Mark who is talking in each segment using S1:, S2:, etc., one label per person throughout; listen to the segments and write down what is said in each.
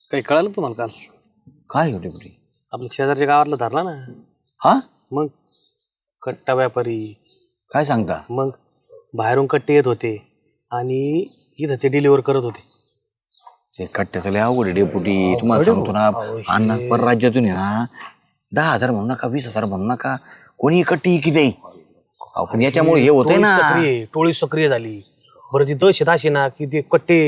S1: काही कळालं तुम्हाला काल?
S2: काय होते कुठे?
S1: आपल्या शेजारच्या गावातला धरला ना.
S2: हा
S1: मग कट्टा व्यापारी.
S2: काय सांगता?
S1: मग बाहेरून कट्टे येत होते आणि इथं ते डिलिव्हर करत होते.
S2: ते कट्ट्याचं लय अवघड आहे डेपुटी. तुम्हाला सांगतो ना अण्णा, परराज्यातून आहे ना 10,000 म्हणू नका, 20,000 म्हणू नका, कोणी कट्टी किती पण याच्यामुळे हे होतंय ना.
S1: टोळी सक्रिय झाली. बरं ती दहशत अशी ना की ते कट्टे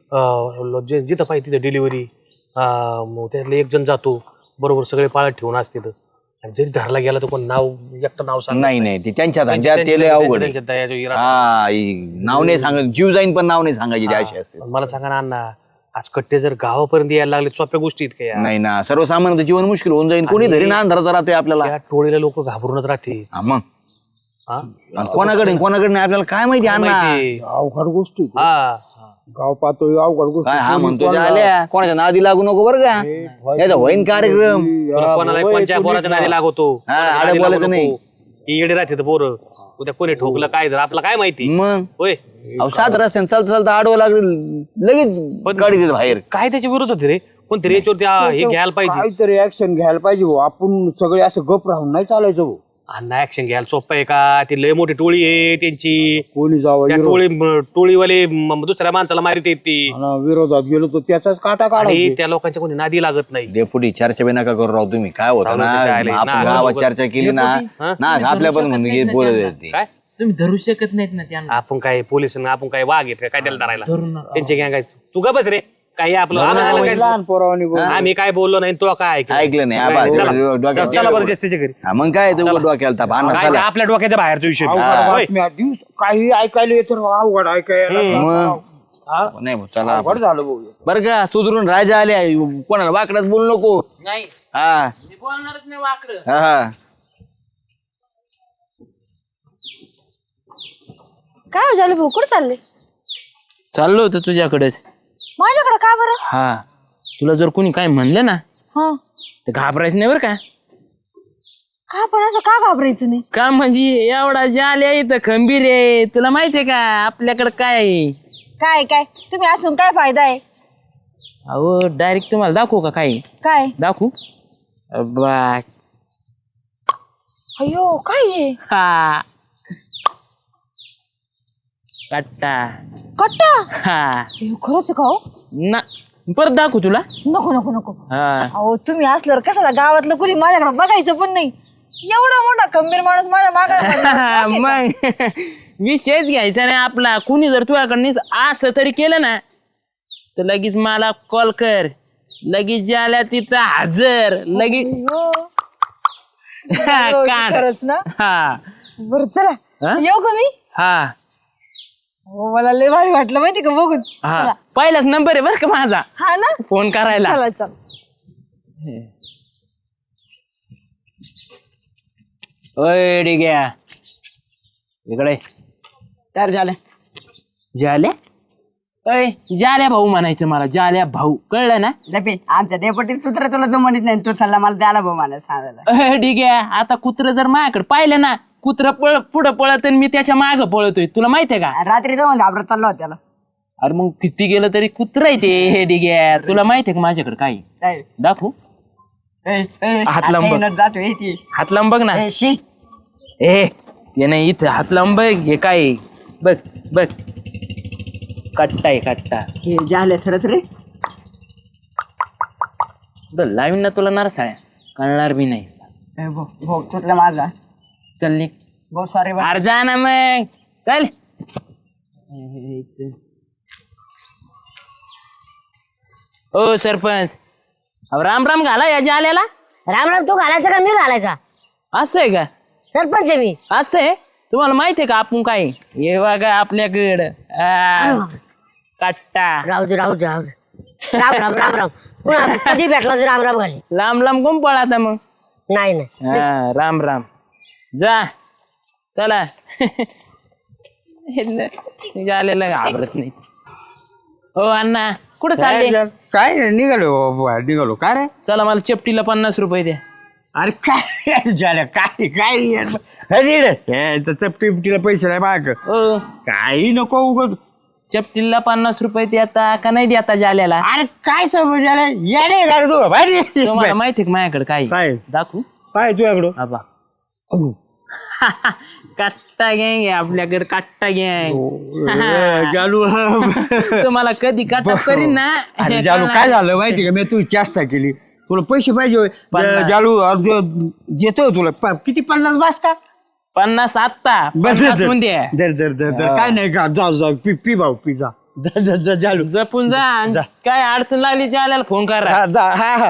S1: जिथं पाहिजे तिथं डिलिव्हरी. मग त्यातले एक जण जातो बरोबर, सगळे पाळत ठेवून असते तिथं. आणि जरी धरला गेला तर कोण नाव एकटं नाव सांग
S2: नाही ते त्यांच्या धंद्यात ते लय अवघड आहे. हा नाव नाही सांगत, जीव जाईन पण नाव नाही सांगायची ते अशी असते.
S1: मला सांगा ना अण्णा, आज कट्टे जर गावापर्यंत यायला लागले सोप्या गोष्टी इतक्या
S2: नाही ना, सर्वसामान्य जीवन मुश्किल होऊन जाईल. कोणी धरी ना अंधाराचा राहते आपल्याला.
S1: त्या टोळीला लोक घाबरूनच राहते.
S2: मग कोणाकडे नाही आपल्याला काय माहिती अण्णा.
S3: अवघड गोष्टी
S1: हा
S3: गाव पातळी अवघड गोष्टी.
S2: काय हा म्हणतो आल्या कोणाच्या नादी लागू नको बरं का, नाही तर होईन कार्यक्रम.
S1: कोणाला कोणत्या पोराच्या नादी लागवतो,
S2: आडे बोलायचं नाही.
S1: येडे राहते पोरं. उद्या कोणी ठोकलं काय तर आपलं काय माहिती.
S2: मग
S1: होय
S2: सात रस्त्याने चालता आडवं लागलं लगेच गाडी देत बाहेर.
S1: काय त्याच्या विरोध होते रे, कोणतरी याच्यावरती हे घ्यायला पाहिजे,
S3: काहीतरी ऍक्शन घ्यायला पाहिजे भाऊ. आपण सगळे असं गप राहून नाही चालायचं भाऊ.
S1: अण्णा ऍक्शन घ्यायला सोपं आहे का? ती लय मोठी टोळी आहे त्यांची.
S3: कोणी जावं
S1: त्या टोळीवाले दुसऱ्या माणसाला मारित येत ती.
S3: विरोधात गेलो तर त्याचाच काटा
S1: आणि
S3: काढायचा.
S1: त्या लोकांच्या कोणी नादी लागत नाही.
S2: डेपुटी चर्चा बी नका करू राव तुम्ही. काय होतं ना आपण गावात चर्चा केली ना आपल्या पण म्हणून बोलत ते.
S1: काय
S4: तुम्ही धरू शकत नाहीत ना त्यांना.
S1: आपण काय पोलिस आपण काय वाघ आहेत काय त्याला धरायला? त्यांचे गँग आहेत. तू का बस रे, काय आपलं आम्हाला काय-
S3: लहान पोरावानी बोल.
S1: आम्ही काय बोललो नाही, तो काय ऐकलं?
S2: ऐकलं नाही
S1: चला बरं जास्तीच्या घरी.
S2: मग काय डोक्याला ताप आणा
S1: काय
S2: चला.
S1: आपल्या डोक्याच्या बाहेरचा विषय.
S3: अवघड बातम्या, दिवस काही ऐकायला येतं अवघड ऐकायला.
S2: मग नाही भाऊ, चला
S3: अवघड झालं भाऊ.
S2: बरं का, सुधरून राजा आले. कोणाला वाकडात बोलू नको.
S4: नाही
S2: हा
S4: मी बोलणारच नाही वाकडं.
S2: हा
S5: काय हो झालं भाऊ, कुठं चालले?
S4: चाललो होतं तुझ्याकडेच.
S5: माझ्याकडे का बरं?
S4: हा तुला जर कोणी काय म्हणलं ना
S5: हा
S4: तर घाबरायचं नाही बरं का.
S5: का पण असं का घाबरायचं नाही?
S4: का म्हणजे एवढा जाल्या इथं खंबीर आहे. तुला माहितीये का आपल्याकडे काय आहे?
S5: काय काय तुम्ही असून काय फायदा आहे?
S4: अहो डायरेक्ट तुम्हाला दाखवू का? काय
S5: काय?
S4: दाखवू बा.
S5: अयो काय आहे?
S4: हा कट्टा.
S5: कट्टा?
S4: हा
S5: अयो, खरंच आहे का हो?
S4: ना परत दाखवू तुला.
S5: नको नको नको.
S4: हा
S5: अहो तुम्ही असल्यावर कशाला गावातलं कुणी माझ्याकडे बघायचं पण नाही. एवढा मोठा खंबीर माणूस माझ्या मागे.
S4: मग विषयच घ्यायचा नाही आपला. कुणी जर तुझ्याकडे असं तरी केलं ना तर लगेच मला कॉल कर. लगेच ज्याला तिथं हजर लगेच. कान.
S5: खरंच ना?
S4: हा
S5: बरं चला
S4: हा?
S5: येऊ का मी?
S4: हा
S5: हो मला लय भारी वाटलं माहिती का बघून.
S4: हा पहिलाच नंबर आहे बरं का माझा
S5: हा ना,
S4: फोन करायला.
S5: चला चला.
S4: ओय डिग्या इकडे.
S6: तर झालं
S4: जाल्या. अय जाल्या भाऊ म्हणायचं मला. जाल्या भाऊ कळलं ना.
S6: लपे आमच्या डेपुटी सूत्र तुला जमणीत नाही. तू चालला मला द्यायला भाऊ मला सांगायला.
S4: डिग्या आता कुत्र जर माझ्याकडे पाहिलं ना, कुत्र पुढं पळत आणि मी त्याच्या मागं पळतोय. तुला माहितीये का?
S6: रात्री जाऊन घाबरत चालला होता त्याला.
S4: अरे मग किती गेलं तरी कुत्र आहे ते. हे डिग्या तुला माहितीये का माझ्याकडे काय
S6: ए,
S4: दाखवू?
S6: ए, ए,
S4: हात लांब
S6: आता
S4: बघ.
S6: येणार जातो ए ती.
S4: हात लांब बघ ना.
S6: ए, शी
S4: ए ते नाही इथं हात लांब बघ. हे काय आहे? बघ बघ कट्टा आहे कट्टा.
S6: हे झालं खरंच रे.
S4: लावीन ना तुला नारसाळ्या कळणार बी नाही.
S6: ए, भाऊ भाऊ तुटला माझा.
S4: चल निघ.
S6: भाऊ सॉरी बा.
S4: अरे जा ना मग चल. ओ सरपंच अहो राम राम घाला या जाल्याला.
S7: राम राम तू घालायचा का मी घालायचा?
S4: असं आहे का?
S7: सरपंच आहे मी.
S4: असं आहे. तुम्हाला माहिती आहे का आपण काय हे बघा आपल्याकडं कट्टा.
S7: राहू दे राहू दे राहू दे. राम राम राम राम. पुन्हा कधी भेटला तर राम राम घाली.
S4: लांब लांब कोण पळाता मग.
S7: नाही नाही
S4: हा राम राम जा चला. झालेलं घाबरत नाही. हो अण्णा कुठं चालले?
S3: काय नाही, निघालो काय रे?
S4: चला मला चेपटीला 50 रुपये द्या.
S3: अरे काय झालं काय काय चपटी बिपटीला पैसे नाही माग.
S4: ओ
S3: काही नको उगत
S4: चपटीला 50 रुपये देता का नाही देता जाल्याला?
S3: अरे काय समज आलं येणे का रे तू बाहेर ये.
S4: तुम्हाला माहिती आहे का माझ्याकडे काय
S3: काय
S4: दाखवू?
S3: काय तुझ्याकडं
S4: आबा काट्टा गँग आहे आपल्याकडे, काट्टा गँग.
S3: जालू
S4: तुम्हाला कधी काटा करीन ना.
S3: अरे जालू काय झालं माहिती का मी तू चेष्टा केली. तुला पैसे पाहिजे होय. जालू देतो तुला किती 50 बास का?
S4: 50 आत्ता
S3: बस
S4: 50 मध्ये
S3: दर काय नाही का जाऊ जाऊ पी भाऊ पी जा जालू
S4: जपून जा आणि काय अडचण लागली जाल्याला फोन करा.
S3: हा जा हा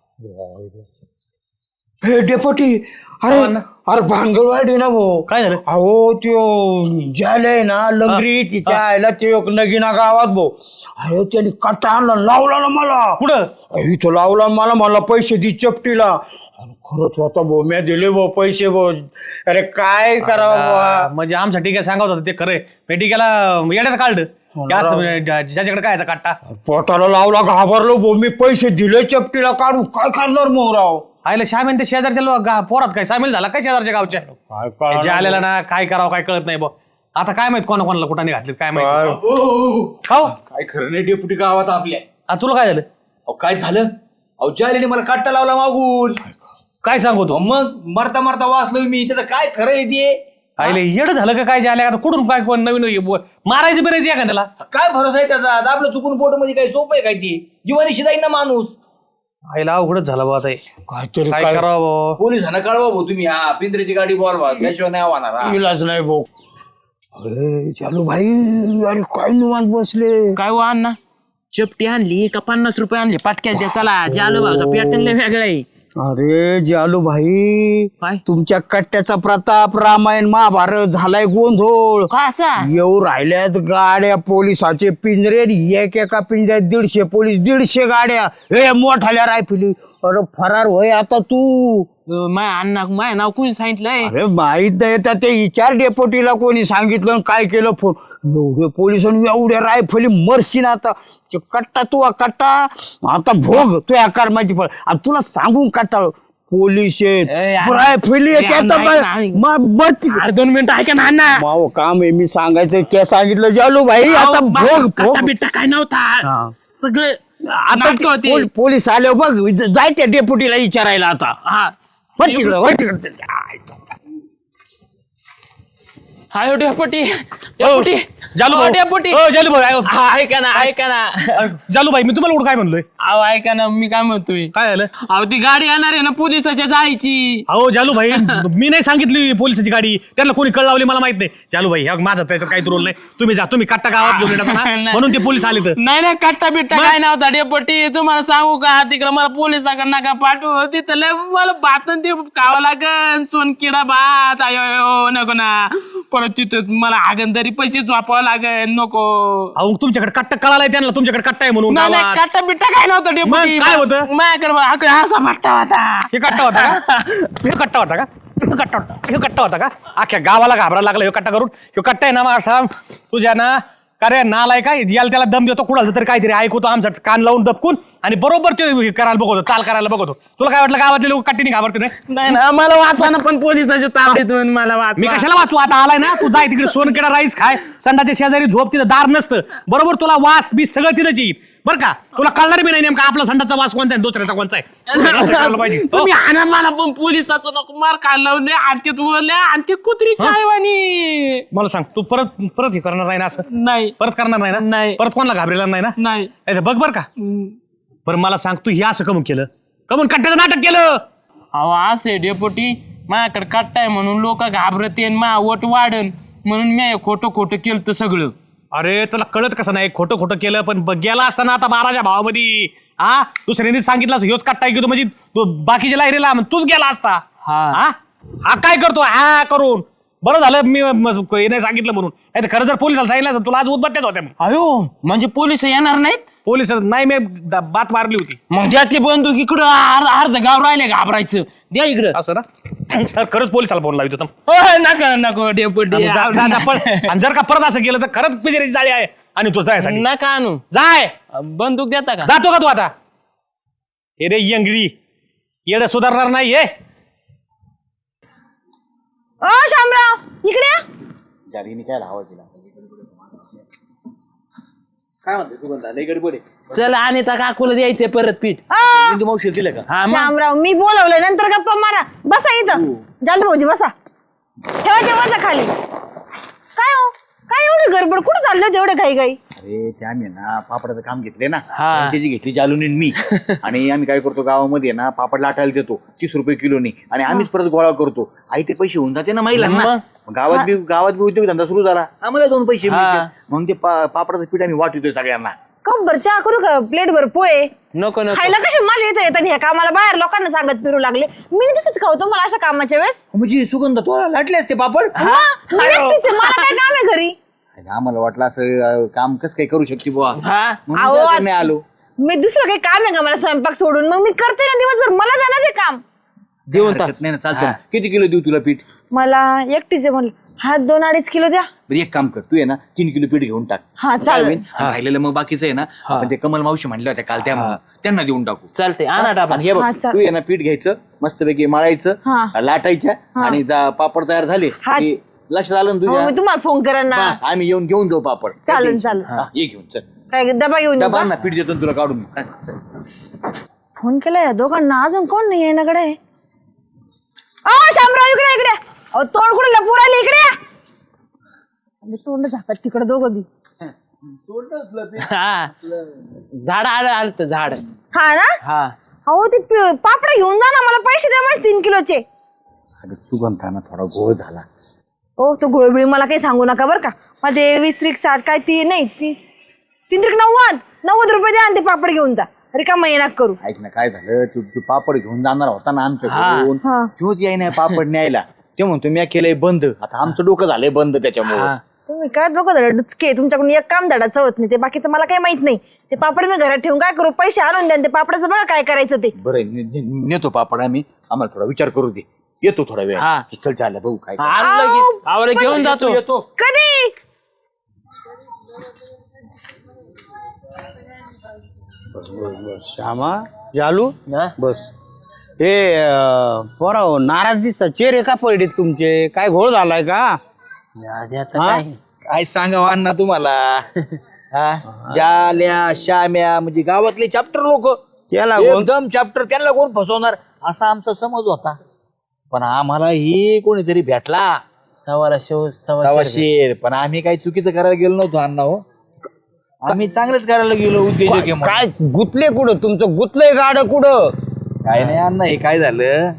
S3: हे डेपोटी अरे अरे भांगलवाडी ना भाऊ
S1: काय झालं?
S3: अहो त्यो ज्याला ना लंगरी तिच्या आईला ते एक नगीना गावात भाऊ. अरे त्याने कट्टा आणला लावला ना मला.
S1: कुठं?
S3: इथं लावला मला पैसे दि चपटीला. अरे खरंच होता भाऊ मी दिले भाऊ पैसे भाऊ. अरे काय करावं
S1: म्हणजे आमच्या टिक्या सांगत होता ते खरंय. मी टिक्याला येड्यात काढलं की असं ज्याच्याकडे काय याचा काट्टा
S3: पोटाला लावला घाबरलो भाऊ मी पैसे दिले चपटीला काढून काय करणार मग राव.
S1: आईला श्याम ते शेजारच्या पोरात काय सामील झाला काय शेजारच्या गावच्या जे आलेला ना काय करावं काय कळत नाही बा. आता काय माहित कोणाला कुठाने घातले काय माहित. हो
S2: काय खरं नाही डेपुटी गावात आपल्या.
S1: तुला काय झालं?
S2: अहो काय झालं? अहो जालेने मला काट्टा लावला मागून.
S1: काय सांगू तू?
S2: मग मरता मरता वाचलोय मी. त्याचं काय खरं आहे ते?
S1: आईले येड झालं का काय जे आल्या आता कुठून काय कोण नवीन मारायचं बिरायचं एखाद्याला?
S2: काय भरोसा आहे त्याचा? आता आपलं चुकून पोट मध्ये काय सोपं आहे काय ती? जीवानीशी जाईन ना माणूस.
S1: आईला अवघडच झालं बा आता हे.
S3: काहीतरी
S1: काय करावं?
S2: पोलिसांना कळवा भाऊ तुम्ही. हा पिंजऱ्याची गाडी बोलवा त्याशिवाय नाही होणार. हा.
S3: इलाज नाही भाऊ. अरे चालू भाई अरे काय निवांत बसले.
S4: काय हो अण्णा, चपटी आणली का 50 रुपये आणले पाटक्यात द्या. चला जालो भाऊचा पॅटर्न लय वेगळा आहे.
S3: अरे जालू भाई
S4: काय
S3: तुमच्या कट्ट्याचा प्रताप रामायण महाभारत झालाय गोंधळ.
S4: काचा
S3: येऊ राहिल्यात गाड्या पोलिसाचे पिंजरे. एका पिंजऱ्यात 150 पोलीस 150 गाड्या. हे मोठाल्या रायफली. अरे फरार होय आता तू.
S4: माय अण्णा माय नाव कोणी सांगितलंय?
S3: अरे माहित नाही तर ते विचार डेपोटीला कोणी सांगितलं आणि काय केलं फोन. एवढे पोलिसांनी एवढ्या रायफली मरशीन आता. ते कट्टा तू कट्टा आता भोग तू आकार माझी फळ. आणि तुला सांगून कट्टा पोलीस रायफली
S4: अरे 2 मिनिटं ऐका ना अण्णा.
S3: माव काम आहे मी सांगायचं काय सांगितलं जालू भाई आता भोग
S4: काटा बिट्टा काय नव्हता सगळं
S3: आता
S4: नाटकं होती.
S3: पोलीस आले बघ जाय त्या डेपुटीला विचारायला आता.
S4: हा
S3: वळ तिकडं, वळ तिकडं.
S4: हाय डेपुटी डेपुटी
S1: जालू भाऊ.
S4: डेपुटी
S1: हो, जालू भाऊ आयो.
S4: ऐका ना ऐका ना.
S1: जालू भाई मी तुम्हाला कुठं काय म्हणलोय?
S4: अहो ऐका ना मी काय म्हणतोय.
S1: काय झालं?
S4: अहो ती गाडी येणार आहे ना पोलिसाच्या जायची.
S1: अहो जालू भाई मी नाही सांगितली पोलिसाची गाडी. त्यांना कोणी कळ लावली मला माहित नाही. जालू भाई माझा त्याच्यात काही रोल नाही. तुम्ही जा तुम्ही कट्टा गावात घेऊन येतात ना म्हणून ते पोलीस आले तर.
S4: नाही कट्टा बिट्टा काय नव्हता डेपुटी. तुम्हाला सांगू का तिकडे मला पोलिसाकडे नका पाठवू. तिथं लय मला भात ते खावं लागन सोनकिडा भात. अयो नको ना. परत तिथं मला हागंदरी पैसे झोपावं लागेल नको.
S1: अहो तुमच्याकडे कट्टा कळालाय त्यांना तुमच्याकडे कट्टा आहे म्हणून
S4: नाही
S1: गावात.
S4: कट्टा बिट्टा काय नव्हतं डेपुटी.
S1: मग काय होतं?
S4: माझ्याकडे असा भट्टा होता.
S1: हे कट्टा होता का? हे कट्टा होता का? हे कट्टा होता हे कट्टा होता का? अख्ख्या गावाला घाबरायला लागला हे कट्टा करून. हे कट्टा आहे ना माझा तुझ्या ना का रे नालाय काय याला त्याला दम देतो कुणाचं तरी काहीतरी ऐकतो आमचा कान लावून दबकून आणि बरोबर ते करायला बघतो चाल करायला बघतो. तुला काय वाटलं गावातले लोक कट्टीने घाबरते
S4: नाही ना मला वाचवा ना पण पोलिसाच्या ताब्यातून मला वाचवा.
S1: मी कशाला वाचू? आता आलाय ना तू जाय तिकडे सोनकेडा राईस खाय. संडाच्या शेजारी झोप तिथं दार नसतं बरोबर. तुला वास बीस सगळं तिथंच येईल बरं का. तुला कळणार बी नाही नेमका आपला संडाचा वास कोणता आहे दुसऱ्याचा कोणता आहे.
S4: तुम्ही आणा मला पण पोलिसाचं नको मार खाल्लावले आणि बोलले आणि ते कुत्री चायवानी.
S1: मला सांग तू परत परत हे करणार नाही ना असं?
S4: नाही
S1: परत करणार नाही ना?
S4: नाही.
S1: परत कोणाला घाबरेला नाही ना?
S4: नाही
S1: बघ बर का. बरं मला सांग तू हे असं कमून केलं कमून कट्ट्याचं नाटक केलं?
S4: अहो असे डेपुटी माझ्याकडे कट्टाय म्हणून लोक घाबरते मा वट वाढन म्हणून मी खोटं खोटं केलं सगळं.
S1: अरे तुला कळत कसं नाही खोटं खोटं केलं पण गेला असताना आता 12च्या भावामध्ये हा दुसऱ्याने सांगितलं ह्योच कट्टा की तू म्हणजे तू बाकीच्या लायरीला तूच गेला असता. हा काय करतो हा करून बरं झालं मी नाही सांगितलं म्हणून. नाही खरं जर पोलिसाला सांगितलं तुला आज उद्बत्त्याच होत्या.
S4: अयो म्हणजे पोलिस येणार नाहीत?
S1: पोलिस नाही मी बात मारली होती.
S4: मग ज्यातली बंदूक इकडं अर्ध गाव राहिले घाबरायचं द्या इकडं
S1: असं ना. तर खरंच पोलिसाला फोन लावतो.
S4: नका नको डेपुटी
S1: आणि जर का परत असं केलं तर खरंच पिंजऱ्याची जाळी आहे आणि तो जायसाठी
S4: नका आणू.
S1: जाय.
S4: बंदूक देता का?
S1: जातो का तू आता? हे रे यंगडी येड सुधारणार नाही हे.
S5: ओ शामराव इकडे या.
S2: जालीने काय लावा तिला. काय म्हणते सुगंधा लय गडबड आहे.
S4: चल आणि त्या काकूला द्यायचे परत पीठ.
S2: इंदू मावशीला दिलं का?
S4: हा मग
S5: श्यामराव मी बोलवलंय नंतर गप्पा मारा. बसा इथं जालू भाऊजी बसा. ठेवा जेवायचं खाली. काय हो काय एवढी गडबड कुठं चाललं होतं एवढं घाई घाई?
S2: अरे ते आम्ही ना पापडाचं काम घेतले ना
S4: हा.
S2: त्यांची घेतली जालून मी आणि आम्ही काय करतो गावामध्ये ना पापड लाटायला देतो 30 रुपये किलोनी आणि आम्हीच परत गोळा करतो. आई ते पैसे होऊन जाते ना महिलांना. गावात बी उद्योगधंदा सुरू झाला आम्हाला 2 पैसे मिळतात. मग ते पापडाचं पीठ आम्ही वाटतोय सगळ्यांना.
S5: कप भर चहा करू का? प्लेट भर पोहे
S4: नको नको
S5: खायला कशी माझ्या इथं येतात ह्या कामाला बाहेर लोकांना सांगत फिरू लागले. मी नाही दिसत का होतो मला अशा कामाच्या वेळेस?
S2: म्हणजे सुगंध तो लाटले असते पापड.
S5: मी एकटीच आहे, मला काय काम आहे घरी?
S2: आम्हाला वाटलं असं काम कसं काय करू शकते बुवा
S4: हा
S2: म्हणून
S5: अहो,
S2: तुझ्याकडे नाही आलो.
S5: मी दुसरं काही काम आहे का मला स्वयंपाक सोडून? मग मी करते ना दिवसभर, मला जाणार ते काम.
S4: देऊन टाक.
S2: हरकत नाही ना चालतं. किती किलो देऊ तुला पीठ?
S5: मला एकटीच आहे म्हणलं. हा 2-2.5 किलो द्या.
S2: बरं एक काम कर तू आहे ना 3 किलो पीठ घेऊन टाक.
S5: हा
S2: काय
S5: चालेल.
S2: होईल? राहिलेलं मग बाकीचं आहे ना आपण ते कमल मावशी म्हणल्या होत्या काल त्यांना देऊन टाकू.
S4: चालते आणा डाबा.
S2: आणि हे बघ
S5: हा, चालेल.
S2: तू आहे ना पीठ घ्यायचं मस्तपैकी मळायचं
S5: हा.
S2: लाटायच्या आणि पापड तयार झाले
S5: हा.
S2: की लक्षात आलं ना
S5: हो,
S2: तुझ्या?
S5: मी तुम्हाला फोन करेन ना.
S2: बस, आम्ही घेऊन जाऊ पापड.
S5: चालेल चालेल.
S2: हा, ये घेऊन चल.
S5: काय डबा घेऊन येऊ
S2: डबा
S5: का?
S2: ना पीठ देतो ना तुला काढून. हा, चल.
S5: फोन केला या दोघांना अजून कोण नाही आहे कडे? शामराव इकडे इकडे. अहो तोंड कुठे लपू राहिले इकडे या. म्हणजे तोंड झाकत तिकडे दोघं बी.
S4: हा झाड आलं झाड.
S5: हा ना.
S4: हा
S5: अहो ते पापड घेऊन जा ना, मला पैसे द्या मस्त 3 किलोचे.
S2: अगं सुगंधाना थोडा घोळ झाला.
S5: ओ तो गोळबिळी मला काही सांगू नका बरं का. मला ते 20-60 काय ती नाही 30-90 रुपये द्या आणि ते पापड घेऊन जा. रिकामा येणार करू.
S2: ऐक ना काय झालं तू पापड घेऊन जाणार होता ना आमच्याकडून
S5: हा.
S2: तोच याय नाही पापड न्यायला. ते म्हणतो मी केलंय बंद. आता आमचं डोकं झालंय बंद त्याच्यामुळे.
S5: तुम्ही काय दोघं धडा डुचके, तुमच्याकडून एक काम धडाचं होत नाही. ते बाकीचं मला काही माहित नाही. ते पापड मी घरात ठेवून काय करू? पैसे आणून द्या. ते पापडाचं बघा काय करायचं ते.
S2: बरं नेतो पापड आम्ही. आम्हाला थोडा विचार करू दे. येतो थोडा वेळ.
S4: हा.
S2: चल चाललं बघू काय
S4: आणलं लगेच आवाला घेऊन जातो.
S2: येतो.
S5: कधी?
S3: श्यामा जालू
S4: हा?
S3: बस. हे पोरा नाराज दिसता चेहरे का पडले तुमचे? काय घोळ झालाय का?
S4: आता
S3: हा?
S4: काय
S2: काय सांगावं अण्णा तुम्हाला. हा? जाल्या श्याम्या म्हणजे गावातले चॅप्टर लोक
S3: त्याला
S2: एकदम चॅप्टर त्यांना कोण फसवणार असा आमचा समज होता. पण आम्हाला ही कोणीतरी भेटला
S4: सवाला सव्वा
S2: सवाशेर. पण आम्ही काही चुकीचं करायला गेलो नव्हतो अण्णा. हो आम्ही चांगलंच करायला गेलो उद्योजक आहे म्हणून.
S3: काय गुतले कुठं तुमचं? गुतलंय गाड कुठं?
S2: काय नाही अण्णा हे काय झालं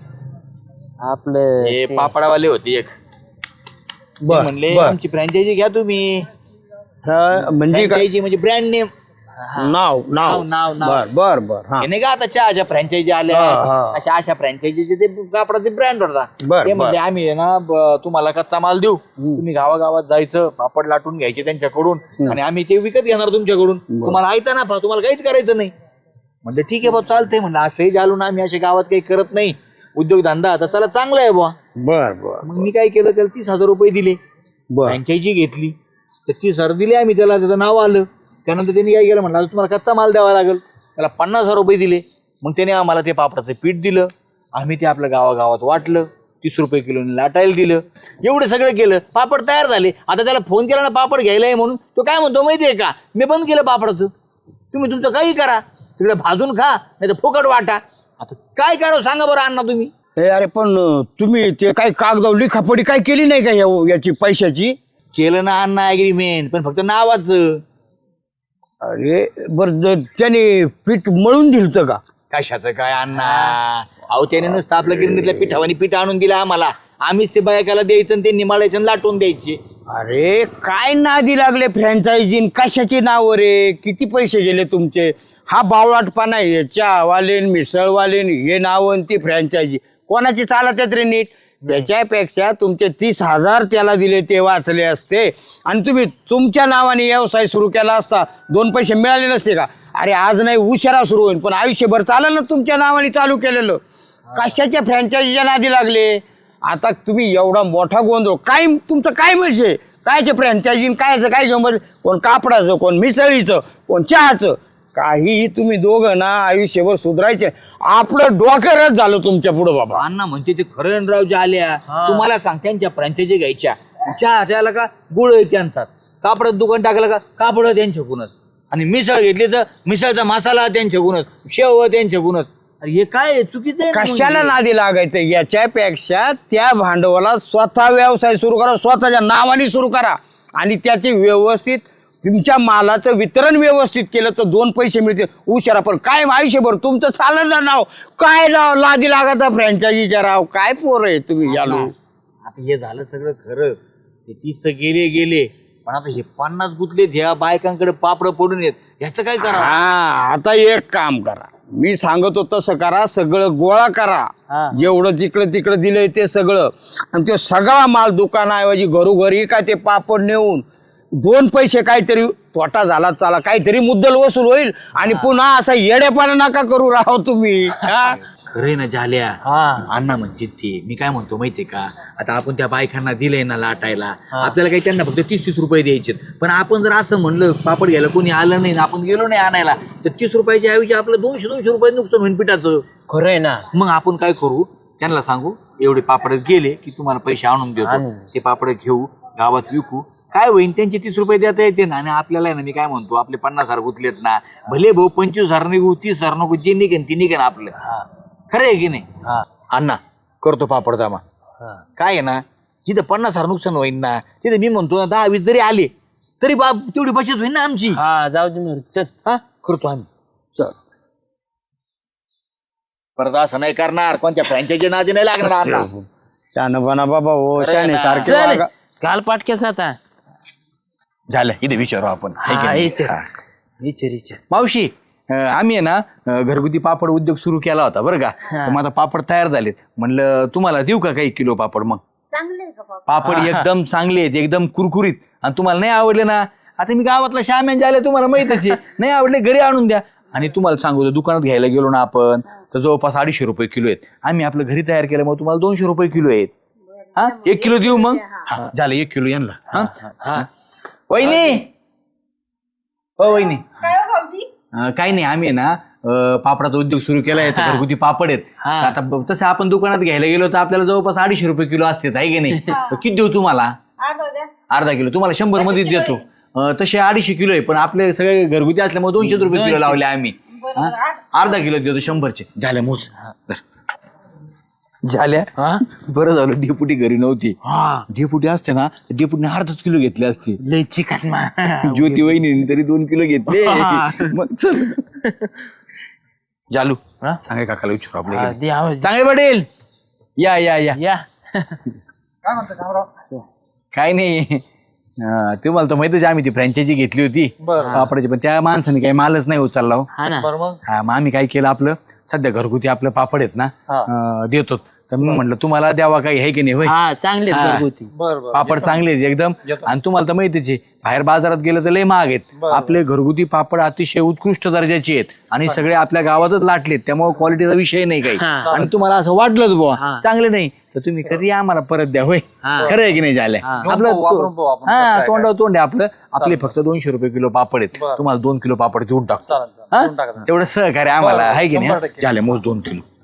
S4: आपलं
S2: हे पापडावाले होते एक ते
S3: बर,
S2: म्हणले
S3: बर.
S2: आमची फ्रँचायझी घ्या तुम्ही.
S3: म्हणजे काय
S2: फ्रँचायझी म्हणजे ब्रँड नेम.
S3: नाव नाव
S2: नाव.
S3: बर बर बर. हा
S2: हे नाही का आता चहाच्या फ्रँचायझी आल्या
S3: हा, हा.
S2: अशा फ्रँचायझीचे ते कापडाचे ब्रँड होता.
S3: बर,
S2: ते
S3: बर.
S2: म्हणले आम्ही आहे ना तुम्हाला कच्चा माल देऊ. तुम्ही गावागावात जायचं पापड लाटून घ्यायचे त्यांच्याकडून आणि आम्ही ते विकत घेणार तुमच्याकडून. तुम्हाला ऐकता ना तुम्हाला काहीच करायचं नाही. म्हणलं ठीक आहे बा चालतंय. म्हणलं असंही झालो ना आम्ही अशा गावात काही करत नाही उद्योगधंदा. आता चला चांगला आहे बुवा.
S3: बर बर
S2: मग मी काय केलं त्याला 30,000 रुपये दिले.
S3: बर.
S2: फ्रँचायझी घेतली तर 30,000 दिले आम्ही त्याला. त्याचं नाव आलं. त्यानंतर त्यांनी काय केलं म्हणलं तुम्हाला कच्चा माल द्यावा लागेल. त्याला 50,000 रुपये दिले. मग त्याने आम्हाला ते पापडाचं पीठ दिलं. आम्ही ते आपल्या गावागावात वाटलं. 30 रुपये किलोने लाटायला दिलं. एवढं सगळं केलं. पापड तयार झाले. आता त्याला फोन केला ना पापड घ्यायला आहे म्हणून. तो काय म्हणतो माहितीये का? मी बंद केलं पापडाचं. तुम्ही तुमचं काही करा. तिकडे भाजून खा नाही तर फुकट वाटा. आता काय करा सांगा बरं अण्णा तुम्ही.
S3: अरे पण तुम्ही ते काय कागदाव लिखापडी काय केली नाही का याची पैशाची?
S2: केलं ना अण्णा ॲग्रीमेंट पण फक्त नावाचं.
S3: अरे बर त्याने पीठ मळून दिलतं का?
S2: कशाचं काय अण्णा? अहो त्याने नुसतं आपल्या गिरणीतल्या पिठावानी पीठ आणून दिलं आम्हाला. आम्हीच ते बायकाला द्यायचं आणि त्यांनी मळायचं आणि लाटून द्यायचे.
S3: अरे काय नादी लागले फ्रँचायझी? कशाची नाव रे? किती पैसे गेले तुमचे? हा बावळाटपणा आहे. चहावाले मिसळवाले हे नाव आणि ती फ्रँचायझी कोणाची चालत आहेत रे नीट? त्याच्यापेक्षा तुमचे 30,000 त्याला दिले ते वाचले असते आणि तुम्ही तुमच्या नावाने व्यवसाय सुरू केला असता 2 पैसे मिळाले नसते का? अरे आज नाही उशिरा सुरू होईल पण आयुष्यभर चालेल ना तुमच्या नावाने चालू केलेलं. कशाच्या फ्रँचायझीच्या नादी लागले? आता तुम्ही एवढा मोठा गोंधळ काय तुमचं काय म्हणजे? कायचे फ्रँचायझी कायचं काय घेऊन बसले? कोण कापडाचं, कोण मिसळीचं, कोण चहाचं. काहीही तुम्ही दोघं ना आयुष्यभर सुधारायचे. आपलं डोकरच झालं तुमच्या पुढं बाबा.
S2: अण्णा म्हणते ते खरं राव ज्या आल्या तुम्हाला सांग त्यांच्या फ्रँचायझी घ्यायच्या. चहा त्याला का गुळ आहे त्यांचा. कापडात दुकान टाकलं का कापड त्यांच्याकडूनच. आणि मिसळ घेतली तर मिसळचा मसाला त्यांच्याकडूनच, शेव त्यांच्याकडूनच. अरे हे काय आहे? चुकीचं आहे ना मग
S3: कशाला
S2: हे.
S3: नादी लागायचं? याच्यापेक्षा त्या भांडवलात स्वतः व्यवसाय सुरू करा, स्वतःच्या नावाने सुरू करा आणि त्याचे व्यवस्थित तुमच्या मालाचं वितरण व्यवस्थित केलं तर 2 पैसे मिळतील. उशिरा पण काय आयुष्यभर तुमचं चाललं ना नाव काय नाव लादी लागत फ्रँचायझीच्या राव. काय पोर आहे तुम्ही यालो.
S2: आता हे झालं सगळं खरं, ते 30 तर गेले पण आता हे 50 गुतलेत ह्या बायकांकडे पापड पडून येत, ह्याचं काय करा?
S3: हा आता एक काम करा, मी सांगतो तसं करा, सगळं गोळा करा, जेवढं तिकडं दिलंय ते सगळं, आणि ते सगळा माल दुकानाऐवजी घरोघरी काय ते पापड नेऊन 2 पैसे काहीतरी तोटा झाला चाला, काहीतरी मुद्दल वसूल होईल. आणि पुन्हा असा येडेपणा नका करू राहो तुम्ही. हा?
S2: खरंय ना झाल्या अण्णा म्हणजे ते मी काय म्हणतो माहितीये का, आता आपण त्या बायकांना दिलंय ना लाटायला, आपल्याला काही त्यांना फक्त 30 रुपये द्यायचे, पण आपण जर असं म्हणलं पापड घ्यायला कोणी आलं नाही, आपण गेलो नाही आणायला, तर 30 रुपयाच्या ऐवजी आपलं 200 रुपये नुकसान होईल पिठाचं.
S4: खरंय ना.
S2: मग आपण काय करू, त्यांना सांगू एवढे पापड गेले की तुम्हाला पैसे आणून देतो, ते पापड घेऊ गावात विकू, काय होईल त्यांचे 30 रुपये देता येते ना. आणि आपल्याला ना मी काय म्हणतो, आपले 50,000 गुतलेत ना, भले भाऊ 25,000 निघू 30,000 नको, जे निघेन ती निघेन आपलं. खरं आहे की नाही अण्णा? करतो पापड जमा. काय आहे ना, जिथं 50,000 नुकसान होईल ना, तिथे मी म्हणतो 10-20 जरी आले तरी बाप तेवढी बचत होईल ना आमची.
S4: हा जाऊ दे मग, चल.
S2: हा करतो आम्ही. चल परत असं नाही करणार, कोणत्या फ्रँचायझी नादी नाही लागणार अण्णा.
S3: शहाणपणा बाबा हो, शाने सारखे
S4: चल
S3: वागा.
S4: काल पाटकेस आता.
S2: झालं इथे विचारू आपण. है की नाही?
S4: विचार
S2: मावशी आम्ही आहे ना घरगुती पापड उद्योग सुरू केला होता बरं का, तर मग आता पापड तयार झालेत, म्हणलं तुम्हाला देऊ का काही किलो पापड? मग पापड एकदम चांगले आहेत, एकदम कुरकुरीत, आणि तुम्हाला नाही आवडले ना, आता मी गावातला श्याम्यान झाले तुम्हाला माहितच आहे, नाही आवडले घरी आणून द्या. आणि तुम्हाला सांगू, दुकानात घ्यायला गेलो ना आपण तर जवळपास 250 रुपये किलो आहेत. आम्ही आपलं घरी तयार केलं, मग तुम्हाला 200 रुपये किलो आहेत. हा 1 किलो देऊ मग? हा झालं 1 किलो यांना. हा वहिनी, हो वहिनी, काही नाही, आम्ही आहे ना पापडाचा उद्योग सुरू केलाय, घरगुती पापड आहेत. आता तसं आपण दुकानात घ्यायला गेलो तर आपल्याला जवळपास 250 रुपये किलो असते, आहे की नाही? किती देऊ तुम्हाला? अर्धा किलो. तुम्हाला 100 मध्ये देतो. तसे 250 किलो आहे, पण आपले सगळे घरगुती असल्यामुळे 200 रुपये किलो लावले आम्ही. अर्धा किलो देतो 100चे. झाल्या मोज झाल्या. बरं झालं डेपुटी घरी नव्हती. डेपुटी असते ना, डेपुटीने अर्धाच किलो घेतले असते.
S4: लय चिकन
S2: ज्योती वहिनी तरी 2 किलो घेतले. मग चल जालू सांगे काकाला विचारू आपल्या. चांगले पडेल. या या या
S4: या.
S2: काय नाही, तुम्हाला तर माहितच आम्ही ती फ्रँचायझी घेतली होती पापडाची, पण त्या माणसाने काही मालच नाही उचलला. मग आम्ही काय केलं, आपलं सध्या घरगुती आपलं पापड आहेत ना देतो, तर मग म्हटलं तुम्हाला द्यावा काही आहे की नाही. होय
S4: चांगले
S2: पापड चांगले आहेत एकदम, आणि तुम्हाला तर माहितीच आहे बाहेर बाजारात गेलं तर लय महाग आहेत. आपले घरगुती पापड अतिशय उत्कृष्ट दर्जाचे आहेत आणि सगळे आपल्या गावातच लाटलेत, त्यामुळे क्वालिटीचा विषय नाही काही. आणि तुम्हाला असं वाटलंच बुवा चांगले नाही तर तुम्ही कधी आम्हाला परत द्या. होय खरं आहे की नाही? झालंय आपलं हा तोंडावर तोंड आहे आपलं. आपले फक्त 200 रुपये किलो पापड आहेत, तुम्हाला 2 किलो पापड देऊन टाकतो. तेवढं सहकार्य आम्हाला आहे की नाही? झाले मोज 2 किलो.